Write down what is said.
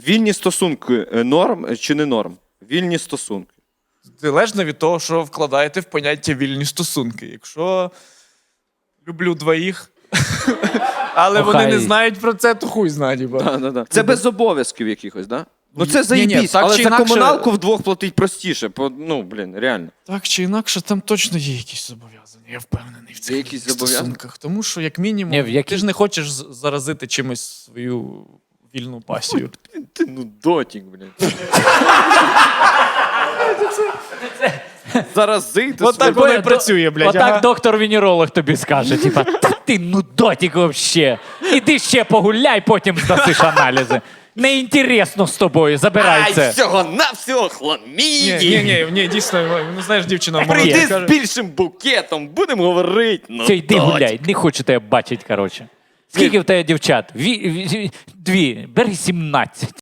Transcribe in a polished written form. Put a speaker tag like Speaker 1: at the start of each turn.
Speaker 1: Вільні стосунки норм чи не норм? Вільні стосунки.
Speaker 2: Залежно від того, що вкладаєте в поняття вільні стосунки. Якщо люблю двоїх, але вони не знають про це, то хуй знає.
Speaker 1: Да. Це без обов'язків якихось, так? Да? Ну це
Speaker 2: Ні,
Speaker 1: заєбісь,
Speaker 2: так
Speaker 1: але
Speaker 2: чи
Speaker 1: за
Speaker 2: інакше-
Speaker 1: комуналку вдвох платить простіше. Ну, блін, реально.
Speaker 2: Так чи інакше, там точно є якісь зобов'язання, я впевнений в цих
Speaker 1: якісь зобов'язання?
Speaker 2: стосунках. Тому що, як мінімум,
Speaker 3: Ні, в які-
Speaker 2: ти ж не хочеш заразити чимось свою вільну пасію.
Speaker 1: Ти ну дотік, блін. Заразити.
Speaker 2: От так воно і працює, блядь.
Speaker 3: Отак
Speaker 2: ага.
Speaker 3: доктор-венеролог тобі скаже, типа, «Та ти нудотик вообще. Іди ще погуляй, потім здасиш аналізи. Неінтересно з тобою, забирай це.
Speaker 1: всього хламіді.
Speaker 2: Ні, дійсно, ну знаєш, дівчина
Speaker 1: Прийди
Speaker 2: молода
Speaker 1: з
Speaker 2: каже,
Speaker 1: більшим букетом, будемо говорити. Ну,
Speaker 3: Все, йди
Speaker 1: дотік.
Speaker 3: гуляй, не хочу тебе бачити, коротше. Скільки в тебе дівчат? Дві, бери 17.